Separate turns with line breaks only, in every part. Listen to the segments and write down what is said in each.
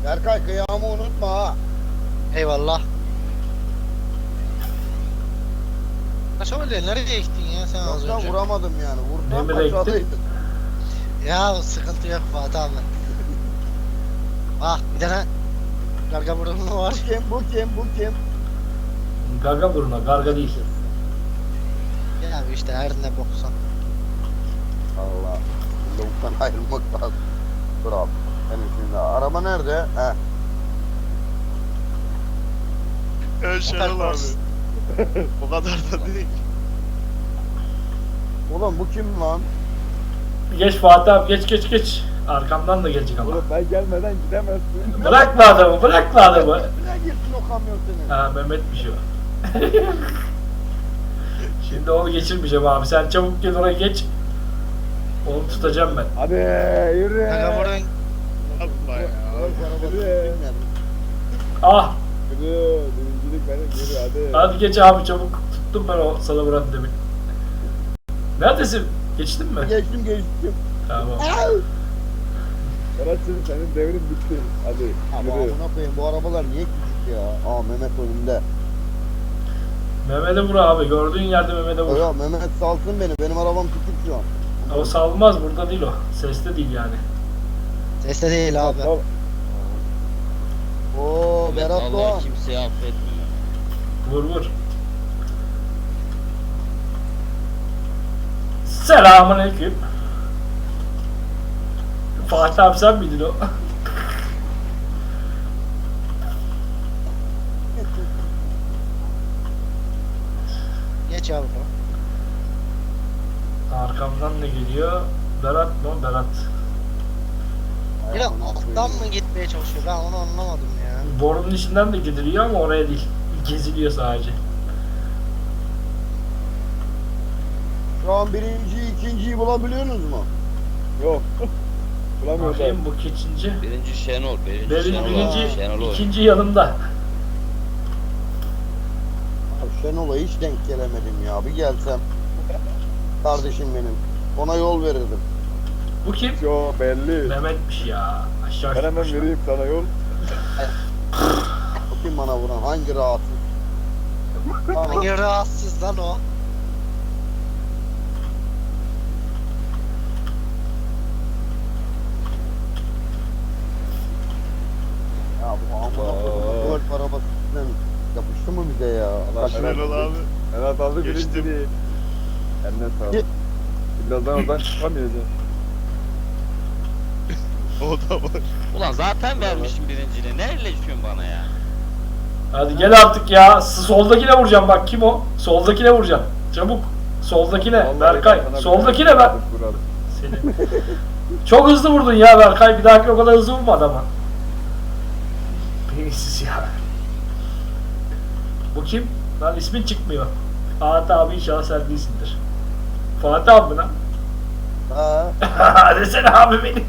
Berkay kıyamı unutma ha.
Eyvallah. Kaç öyle nereye gittin ya sen az
Yoksa
önce?
vuramadım yani. Vurdum
Nereye gittin?
kaçalıydın.
Ya sıkıntı yok Fatih abi. Bak bir tane karga burunlu var.
Bu kim?
Garga buruna, garga değil.
Ya işte her ne boksan.
Allah. Lavuktan ayrılmak lazım. Dur abi. Benim şimdi araba nerede? Heh.
Şenol abi. O kadar da değil.
Oğlum bu kim lan?
Geç Fatih abi, geç. Arkamdan da gelecek ama.
Oğlum ben gelmeden gidemezsin.
Bırakma adamı.
Ne girsin o kamyon senin?
Ha Mehmet'miş o. Şimdi onu geçirmeyeceğim abi. Sen çabuk gel oraya geç. Onu tutacağım ben.
Hadi yürü.
Karga burun
Yapma ya.
Yürü.
Ah!
Yürü. Birincilik benim yürü hadi.
Hadi geç abi çabuk. Tuttum ben o sana vuran demin. Neredesin? Geçtin mi?
Geçtim.
Tamam.
Berat'cığım senin devrin bitti. Hadi
Ama
yürü.
amına koyayım bu arabalar niye küçük ya? Aa Mehmet önümde.
Mehmet'e vur abi. Gördüğün yerde Mehmet'e vur.
Yok Mehmet salsın beni. Benim arabam küçük şu an.
O salmaz. Burada değil o. Seste değil yani.
sesle değil abi.
Tamam.
Oo Berat
Allah
Doğan.
kimseyi affetmiyor.
Vur. Selamünaleyküm. Fatih abi sen miydin o?
Geç yavrum.
Arkamdan ne geliyor? Berat mı? Berat.
Yine alttan mı gitmeye çalışıyor ben onu anlamadım ya.
Borunun içinden de gidiliyor ama oraya değil. Geziliyor sadece.
Şu an birinciyi, ikinciyi bulabiliyorsunuz mu?
Yok. Bulamıyorum.
Bakayım bu kaçıncı?
Birinci Şenol, Şenol
Birinci,
Şenol.
ikinci yanımda.
Abi Şenol'a hiç denk gelemedim ya. Bir gelsem. Kardeşim benim. Ona yol verirdim.
Bu kim?
Yo belli.
Mehmet'miş ya. Aşağı
Ben hemen
gitmiş.
vereyim sana yol.
O kim bana vuran? Hangi rahatsız? Tamam.
Hangi rahatsız lan o?
Ya bu amına koyduğum golf arabasından yapıştı mı bize ya?
Allah
Şenol abi.
Evet aldı
Geçtim.
birinciliği. Eline sağlık. Birazdan oradan çıkamayacağım.
O da var.
Ulan zaten vermişim birinciliği. Ne elleşiyorsun bana ya?
Hadi gel artık ya. Soldakine vuracağım bak kim o? Soldakine vuracağım. Çabuk. Soldakine.
Vallahi
Berkay.
ben sana
Soldakine ben.
vurarım.
Seni. Çok hızlı vurdun ya Berkay. Bir dahaki o kadar hızlı vurma adama. Beyinsiz ya. Bu kim? Lan ismin çıkmıyor. Fatih abi inşallah sen değilsindir. Fatih abi mi lan?
Ha.
Desene abi benim.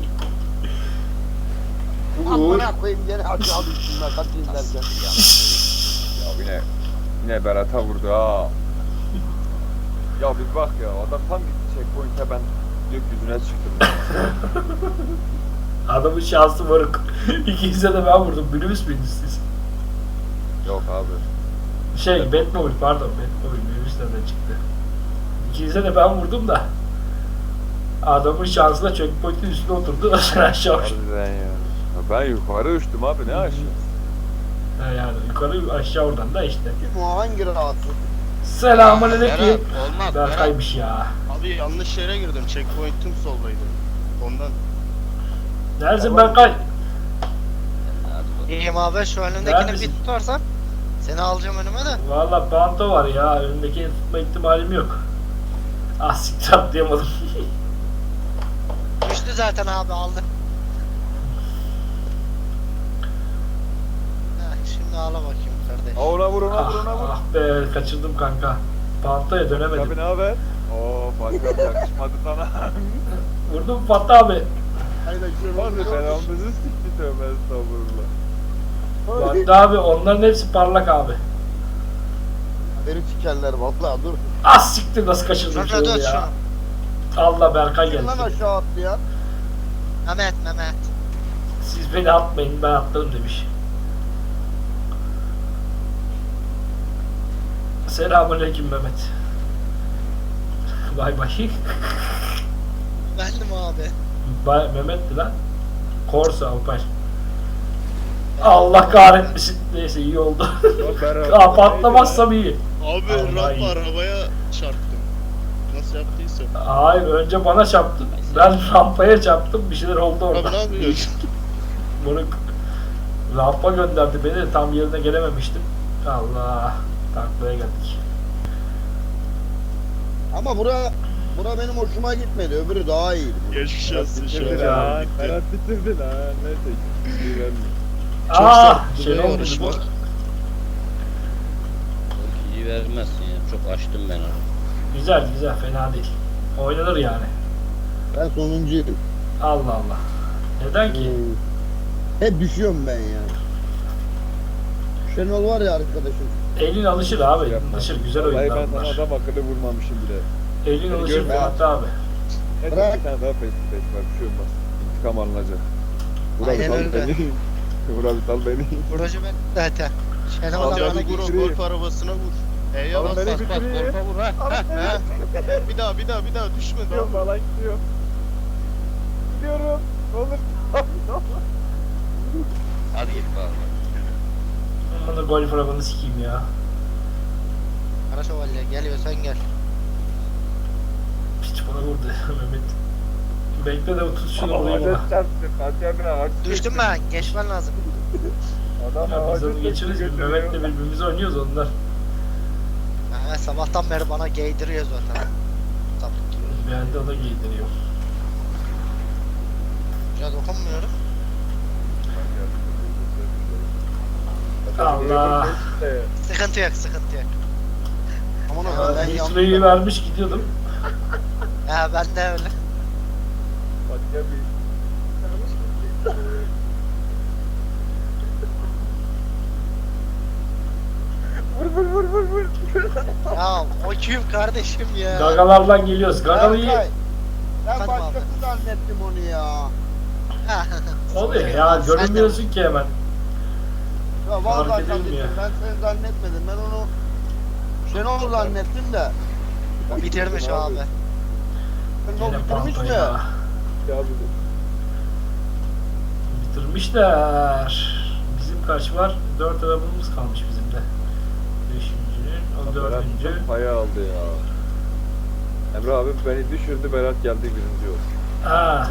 Amına koyayım gene aşağı düştüm ben kaçayım derken.
Ya yine Berat'a vurdu ha. Ya bir bak ya adam tam gitti checkpoint'e ben gökyüzüne çıktım.
Adamın şansı varık. İkinize de ben vurdum. Minibüs müydünüz siz?
Yok abi.
Batmobile pardon. Batmobile minibüs nereden çıktı? İkinize de ben vurdum da. Adamın şansına checkpoint'in üstüne oturdu. Sen aşağı uçtun.
Harbiden ya. Ben yukarı uçtum abi ne aşağı.
Yani yukarı aşağı oradan da işte.
Kim o hangi rahatsız?
Selamünaleyküm.
Berat, olmaz Berat.
Berkay'mış ya.
Abi yanlış yere girdim. Checkpoint'im soldaydı. Ondan.
Neredesin Berkay?
Hadi
İyiyim abi şu önündekini
Neredesin?
bir tutarsan seni alacağım önüme de.
Valla panto var ya. Önündekini tutma ihtimalim yok. Ah siktir atlayamadım.
Düştü zaten abi aldı. Şimdi ağla bakayım kardeş.
Ha ona vur ona vur ona vur.
Ah be kaçırdım kanka. Pantoya dönemedim.
Abi ne haber? Oo Fatih abi yakışmadı sana.
Vurdum Fatih abi.
Hayda
Hadi belamızı sikti tövbe estağfurullah.
Fatih abi onların hepsi parlak abi.
Beni sikerler vallahi dur.
Ah siktir nasıl kaçırdım
Şurada
şöyle
dön
ya.
şunu.
Allah Berkay
Kim
geldi.
lan aşağı attı ya?
Mehmet.
Siz beni atmayın, ben atlarım demiş. Selamünaleyküm Mehmet. Bay bay.
Bendim abi.
Mehmet'ti lan. Korsa Alpay. Allah kahretmesin. Neyse iyi oldu. Aa, patlamazsam iyi.
Abi
Vallahi
rampa
iyi.
arabaya çarptım. Nasıl yaptıysam.
Hayır, önce bana çarptın. Ben rampaya çarptım. Bir şeyler oldu orada.
Abi ne yapıyorsun?
Bunu rampa gönderdi beni. Tam yerine gelememiştim. Allah. Taklaya geldik.
Ama bura benim hoşuma gitmedi. Öbürü daha iyiydi.
Geçmiş olsun şu
Bitirdi
an.
lan.
Bitti.
Berat bitirdi lan. Neyse. Bir vermiyor.
Çok
Aa,
sert
şey
duruyor
olmuş
yarışma.
bu.
İyi vermezsin ya. Çok açtım ben onu.
Güzel güzel, fena değil. Oynanır yani.
Ben sonuncuydum.
Allah Allah. Neden ki?
Hep düşüyorum ben ya. Şenol var ya arkadaşım.
Elin alışır abi.
Yapma.
Alışır. Güzel
Vallahi
oyunlar
ben sana
bunlar.
adam akıllı vurmamışım bile.
Elin
Beni
alışır
görme
Fuat abi.
Neyse
Bırak.
bir tane daha face to face var. Bir şey olmaz. İntikam alınacak. Vura bir
Aynen
sal
öyle.
beni. Vura bir sal beni.
Proje ben zaten. Şenol
Abi,
da bana
Abi vur o
geçiriyor.
golf arabasına vur. E'ye
Oğlum
bas
beni
bas bas.
bitiriyor.
Korka vur ha.
He. Bir daha düşme
Gidiyorum
daha.
falan gidiyor. Gidiyorum. Ne olur.
Hadi git bakalım.
Bana golf arabanı sikeyim ya.
Kara şövalye geliyorsan gel.
Piç bana vurdu Mehmet. Bekle de tut şunu
Ama
vurayım
ağaca
ona.
çarptı. Fatih abi ağaç
Düştüm ben. Geçmen lazım.
Adam
Ya biz
ağacı
onu geçiririz. Biz
götürüyor.
Mehmet'le birbirimize oynuyoruz onlar.
Ha, sabahtan beri bana giydiriyor zaten. Sapık gibi.
Bir halde o da giydiriyor.
Biraz dokunmuyorum.
Allah.
Sıkıntı yok, sıkıntı yok.
Aman Allah'ım ben yandım.
Nitro'yu vermiş gidiyordum.
Ha ben de öyle.
Fatih abi. Vur.
Ya o kim kardeşim ya?
Gagalardan geliyoruz. Gagalıyı
Berkay, ben
Efendim
başkası
abi.
zannettim onu ya.
Ha,
oluyor ya,
Sen de-
görünmüyorsun ki hemen.
Ya vallahi
Fark
zannettim.
edilmiyor.
Ben seni zannetmedim. Ben onu Şenol zannettim de.
Bitirmiş abi.
Şenol
Yine
bitirmiş
pampa
mi?
ya.
Ya abi.
Bitirmişler. Bizim kaç var? 4 arabamız kalmış bizim de. 5.'nin, o
Berat
4.
çok paya aldı ya. Emre abi beni düşürdü, Berat geldi birinci oldu.
Ha.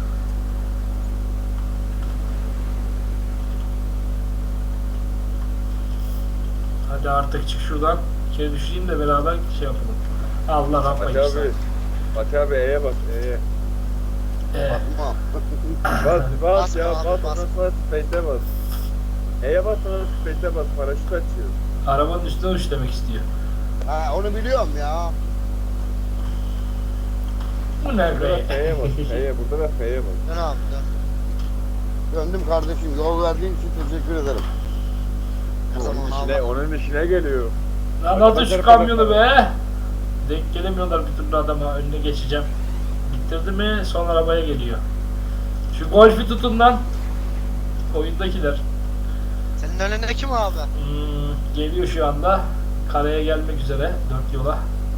Hadi artık çık şuradan. Kere düşeyim de beraber şey yapalım. Allah rampa
Fatih
girsin.
abi. Fatih abi E'ye bas, E'ye.
Bakma.
Bas ya,
Basma
bas,
abi, bas.
ondan sonra space'e bas. E'ye bas, sonra space'e bas, paraşüt açıyor.
Arabanın üstüne uç demek istiyor.
Ha, onu biliyorum ya.
Bu ne
Burada da
be?
F'ye bas, F'ye, burada da F'ye bas.
Dön abi dön.
Döndüm kardeşim. Yol verdiğin için teşekkür ederim.
Her zaman abi.
Onun işine geliyor.
Lan atın şu kamyonu be. Denk gelemiyorlar bir türlü adama. Önüne geçeceğim. Bitirdi mi son arabaya geliyor. Şu golfi tutun lan. Oyundakiler.
Senin önünde kim abi?
Geliyor şu anda. Karaya gelmek üzere. 4 yola.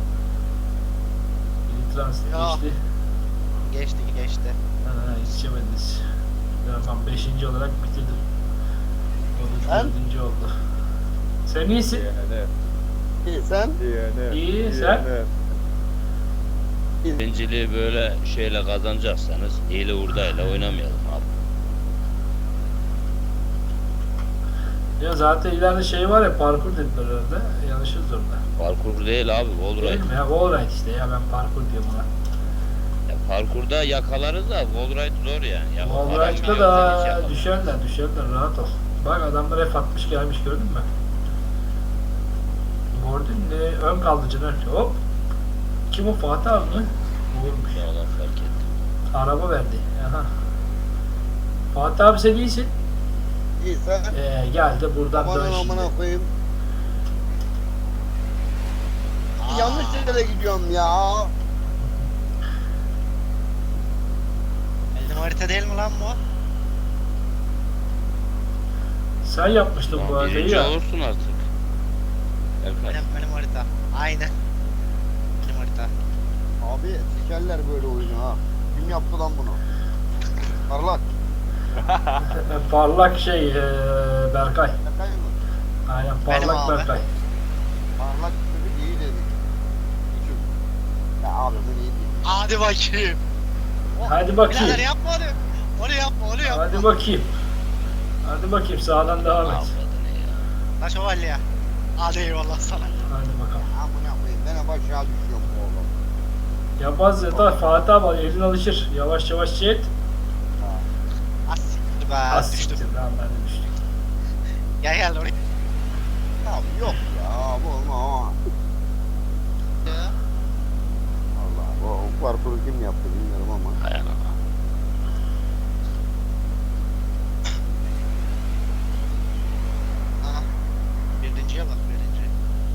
Biri transit
Ya.
geçti.
Geçti.
Ha, yetişemediniz. Tamam 5. olarak bitirdim. O da
Sen?
4. oldu. Sen iyisin.
DNF,
İyi sen?
DNF.
İyi, sen?
Birinciliği böyle şeyle kazanacaksanız hile hurdayla oynamayalım abi.
Ya zaten ileride şey var ya, parkur dediler herhalde. Yanlışız orada.
Parkur değil abi, wall
Değil
ride.
mi ya? Wallride işte ya, ben parkur diyorum ona.
Ya parkurda yakalarız da wall ride zor yani. Ya, adam
Wallride'da
biliyorsan hiç
da
yapamaz.
düşerler rahat ol. Bak adamlar F60 gelmiş, gördün mü? Gördün mü? Ön kaldıcın ön. Hop. Kim o, Fatih abi mi? Vurmuş.
Ya Allah fark ettim.
Araba verdi. Aha. Fatih abi sen iyisin.
İyi sen?
Gel de buradan
Aman
dön şimdi.
amına koyayım. Yanlış yere gidiyorum ya.
Elin harita değil mi lan bu?
Sen yapmıştın bu
Tamam,
arada
birinci
ya.
olursun artık. Erkay.
Benim harita. Aynen. Benim harita.
Abi sikerler böyle oyunu ha. Kim yaptı lan bunu? Parlak.
Parlak şey Berkay.
Şaka mı?
Aynen
Benim
parlak
abi.
Berkay.
Parlak çocuk iyi dedik. Küçük. Ya abi bu iyi değil.
Hadi bakayım.
Hadi bakayım.
Birader yapma onu. Onu yapma, onu yapma.
Hadi bakayım. Hadi bakayım sağdan devam et.
Avradını ya.
La şövalye. Hadi eyvallah sana.
Hadi bakalım.
Amına koyayım ben hep aşağı düşüyorum bu oğlum.
Yapmaz ya da Fatih abi elin alışır. Yavaş yavaş şey et.
Az siktir be.
Az
Düştüm.
siktir lan ben de düştüm.
Gel gel oraya.
Abi yok ya bu ama.
Ya.
Allah bu parkuru kim yaptı bilmiyorum ama.
Hay ana.
Aha. Birinciye bak birinci.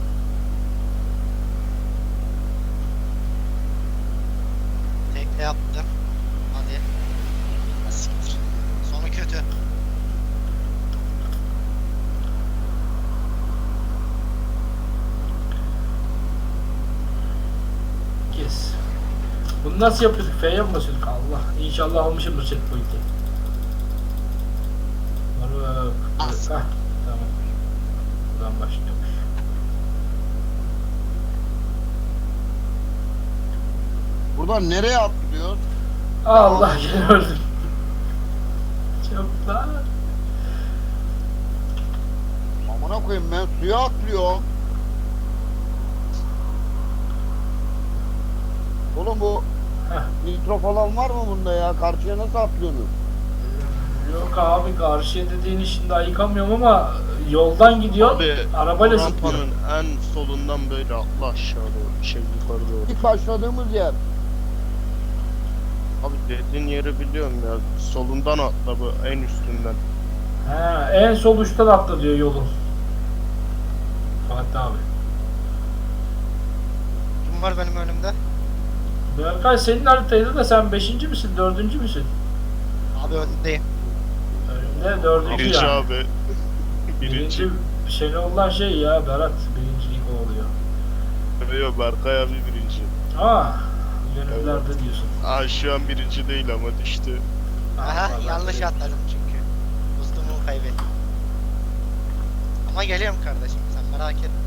Tekne yaptım. Hadi. Az siktir. Sonu kötü.
Kes. Bunu nasıl yapıyorduk? F'ye mi basıyorduk? Allah. İnşallah almışımdır checkpoint'i. Moruk.
Az.
Hah, tamam. Buradan başlıyormuş.
Buradan nereye atlıyor?
Allah gene öldüm. Çok lan.
Amına koyayım ben suya atlıyorum. Oğlum bu
Heh.
nitro falan var mı bunda ya? Karşıya nasıl atlıyorsunuz?
Yok abi karşıya dediğin için daha yıkamıyorum ama yoldan gidiyor.
Abi
Arabayla
o
zıplıyor.
rampanın en solundan böyle atla aşağı doğru. Şey yukarı doğru.
İlk başladığımız yer.
Abi dediğin yeri biliyorum ya. Solundan atla bu en üstünden.
He, en sol uçtan atla diyor yolun. Fatih abi.
Kim var benim önümde?
Berkay senin haritaydı da sen 5. misin 4. müsün?
Abi öndeyim.
Önümde 4.
Birinci
yani.
abi. Birinci.
Şey olan şey ya Berat birincilik oluyor.
Yok Berkay abi birinci.
Aa, gönüllerde diyorsun.
Aa şu an birinci değil ama düştü.
Aha
vallahi
yanlış
değil.
atladım çünkü. Boost'umu kaybettim. Ama geliyorum kardeşim sen merak etme.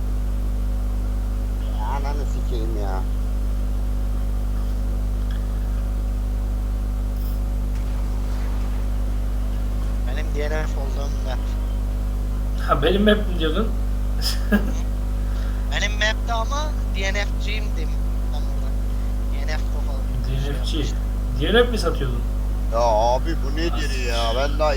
Ya ananı sikeyim ya.
Benim DNF olduğum map.
Ha benim map mi diyordun?
Benim map'te ama DNF'ciyim diyeyim. Ben burada. DNF kafalı.
DNF'ci. DNF mi satıyordun?
Ya abi bu nedir ya? Ben daha